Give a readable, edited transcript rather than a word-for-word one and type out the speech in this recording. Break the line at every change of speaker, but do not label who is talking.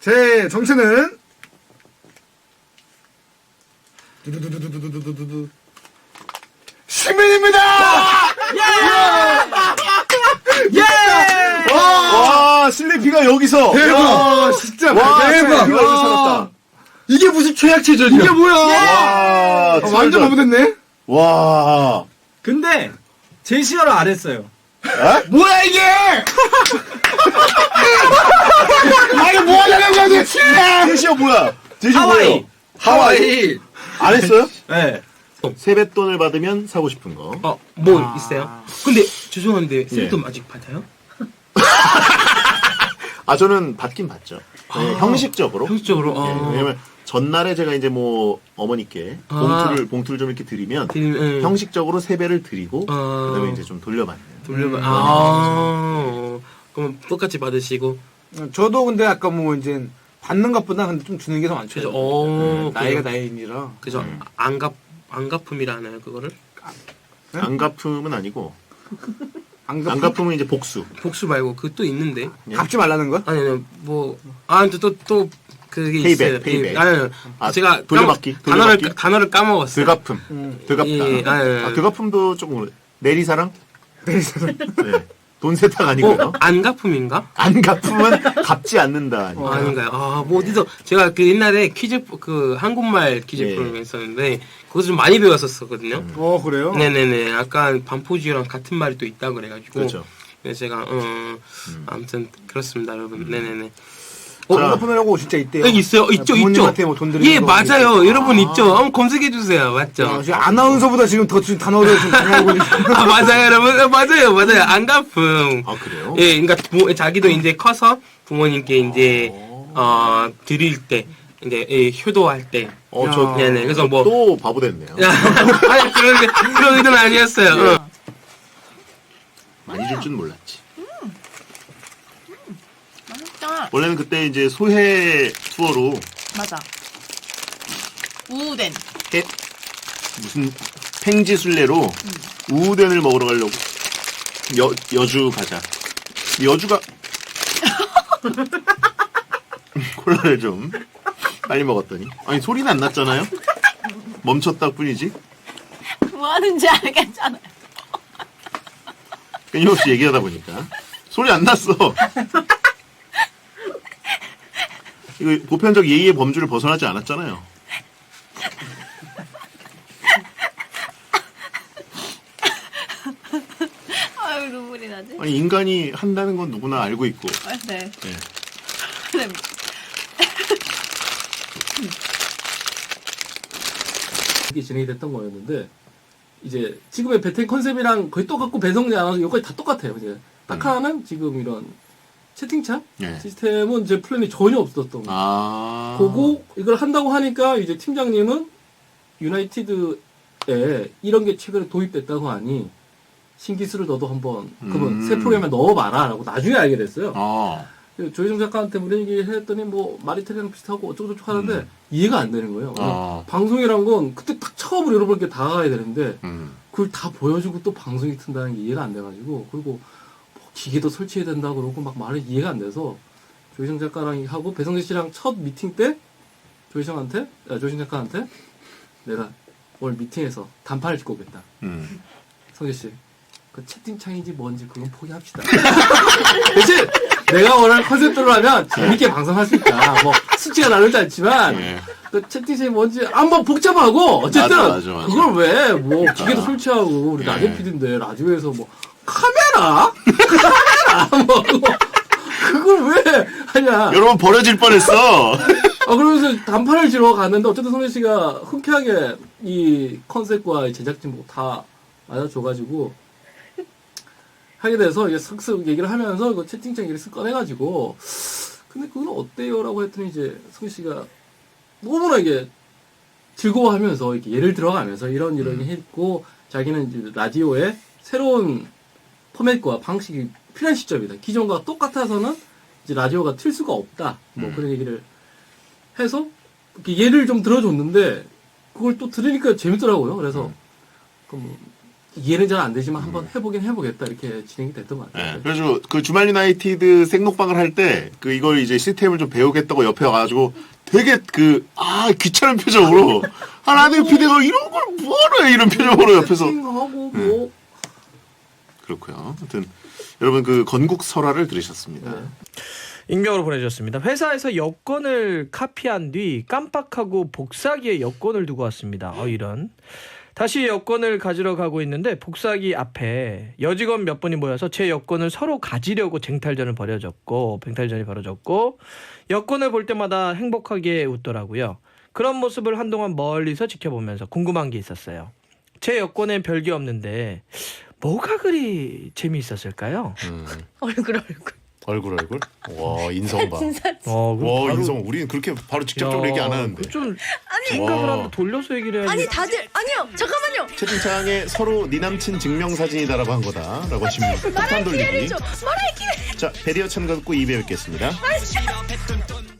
제 정체는 두두두두두두두두두 시민입니다.
예!
와, 슬리피가 여기서.
대박. 진짜
와,
대박.
슬리피가 여기서 살았다.
이게 무슨 최악체전이야?
이게 뭐야?
와,
완전 바보됐네.
와.
근데 제시어를 안 했어요.
뭐야 이게? 아니 뭐 하려는 거야 도대체?
제시어 뭐야? 제시어
하와이.
뭐예요? 하와이. 안 했어요?
네.
세뱃돈을 받으면 사고 싶은 거.
뭐 있어요? 근데 죄송한데 세뱃돈 아직 받아요?
아, 저는 받긴 받죠. 네, 형식적으로.
형식적으로.
예, 왜냐면 전날에 제가 이제 뭐 어머니께 봉투를 좀 이렇게 드리면 형식적으로 세배를 드리고 그다음에 이제 좀 돌려받는.
그럼 똑같이 받으시고.
저도 근데 아까 뭐 이제 받는 것보다 근데 좀 주는 게 더 많죠.
그죠.
나이가 나이니라.
그죠. 안갚음이라 하나요 그거를?
안갚음은 아니고
안
안갚음은 이제 복수.
복수 말고 그 또 있는데.
갚지 말라는 거?
아니 또 그게
페이백,
있어요.
페이백.
아니 제가
돌려받기.
단어를 까먹었어요.
득갚음. 득갚다.
예,
득갚음도 조금 내리사랑? 내리사랑. 네. 돈 세탁 아니고요.
안갚음인가?
안갚음은 갚지 않는다.
아닌가요? 뭐 어디서 제가 그 옛날에 퀴즈 한국말 퀴즈
예.
프로그램 했었는데 거기서 좀 많이 배웠었거든요.
그래요?
네네네. 약간 반포지유랑 같은 말이 또 있다 그래가지고.
그렇죠.
그래서 제가 아무튼 그렇습니다, 여러분. 네네네.
갚으려고 진짜 있대요.
여기 있어요. 있죠.
부모님한테 뭐 돈 드리는
예,
거
맞아요.
있대요.
여러분 있죠. 한번 검색해 주세요. 맞죠?
지금 아나운서보다 지금 더 단어를 좀 많이 알고 계시죠.
맞아요, 여러분. 맞아요. 안갚음.
아, 그래요?
예, 그러니까 자기도 이제 커서 부모님께 이제 드릴 때 이제 효도할 때. 네네. 그래서 뭐
또 바보 됐네요.
아니 그런 의도는 아니었어요.
많이 줄 줄 몰랐지.
맛있다.
원래는 그때 이제 소해 투어로
맞아. 우덴.
무슨 팽지순례로 우den을 먹으러 가려고 여주 가자. 여주가 콜라를 좀 빨리 먹었더니 아니 소리는 안 났잖아요. 멈췄다 뿐이지.
뭐 하는지 알겠잖아요.
끊임없이 얘기하다 보니까 소리 안 났어. 이거 보편적 예의의 범주를 벗어나지 않았잖아요.
아유, 눈물이 나지?
아니 인간이 한다는 건 누구나 알고 있고.
네.
네.
네.
이게 진행이 됐던 거였는데 이제 지금의 배틀 컨셉이랑 거의 똑같고 배성재 아나운서 여기까지 다 똑같아요. 이제 딱 하나는 지금 이런 채팅창
네.
시스템은 제 플랜이 전혀 없었던 거예요. 그거 이걸 한다고 하니까 이제 팀장님은 유나이티드에 이런 게 최근에 도입됐다고 하니 신기술을 너도 한번 그러면 새 프로그램에 넣어봐라라고 나중에 알게 됐어요. 조희정 작가한테 무슨 얘기 했더니 뭐 마리텔이랑 비슷하고 어쩌고저쩌고 하는데 이해가 안 되는 거예요. 방송이란 건 그때 딱 처음으로 여러분께 다가가야 되는데 그걸 다 보여주고 또 방송이 튼다는 게 이해가 안 돼가지고 그리고 뭐 기계도 설치해야 된다 그러고 막 말이 이해가 안 돼서 조희정 작가랑 하고 배성재 씨랑 첫 미팅 때 조희정 작가한테 내가 오늘 미팅에서 단판을 짓고 오겠다. 성재 씨, 그 채팅창인지 뭔지 그건 포기합시다. 대신 내가 원하는 컨셉대로 하면 재밌게 방송할 수 있다. 뭐 수치가 나누지 않지만 그 채팅창이 뭔지 한번 복잡하고 어쨌든
맞아.
그걸 왜 뭐 기계도 설치하고 우리 라디오 PD인데 라디오에서 뭐 카메라 뭐 그걸 왜 하냐.
여러분 버려질 뻔했어.
그러면서 단판을 지러 갔는데 어쨌든 성재 씨가 흔쾌하게 이 컨셉과 제작진 뭐 다 맞아줘가지고 하게 돼서 이제 슥슥 얘기를 하면서 그 채팅창 얘기를 쓱 꺼내가지고 근데 그건 어때요? 라고 했더니 이제 성재 씨가 너무나 이게 즐거워하면서 이렇게 예를 들어가면서 이런 했고 자기는 이제 라디오에 새로운 포맷과 방식이 필요한 시점이다. 기존과 똑같아서는 이제 라디오가 틀 수가 없다. 뭐 그런 얘기를 해서 이렇게 예를 좀 들어줬는데 그걸 또 들으니까 재밌더라고요. 그래서 그 뭐 이해는 잘 안 되지만 한번 해보긴 해보겠다 이렇게 진행이 됐던 것 같아요.
네, 그래서 그 주말 유나이티드 생록방을 할 때 그 이걸 이제 시스템을 좀 배우겠다고 옆에 와가지고 되게 귀찮은 표정으로 라디오 PD가 이런 걸 뭐하러 해 이런 표정으로 옆에서
하고 뭐
그렇고요. 하여튼 여러분 그 건국 설화를 들으셨습니다.
네.
익명으로 보내주셨습니다. 회사에서 여권을 카피한 뒤 깜빡하고 복사기에 여권을 두고 왔습니다. 이런. 다시 여권을 가지러 가고 있는데 복사기 앞에 여직원 몇 분이 모여서 제 여권을 서로 가지려고 쟁탈전이 벌어졌고 여권을 볼 때마다 행복하게 웃더라고요. 그런 모습을 한동안 멀리서 지켜보면서 궁금한 게 있었어요. 제 여권엔 별게 없는데 뭐가 그리 재미있었을까요?
얼굴.
얼굴. 와 인성 봐.
진짜.
와
바로-
인성. 우리는 그렇게 바로 직접적으로
야,
얘기 안 하는데.
좀 생각을
와.
한번 돌려서 얘기를 해야지.
아니 다들 아니요 잠깐만요.
채팅창에 서로 네 남친 증명사진이다라고 한 거다라고 하시면 폭탄 돌리기.
말할 기회.
자 배리어 참가 듣고 2배 뵙겠습니다.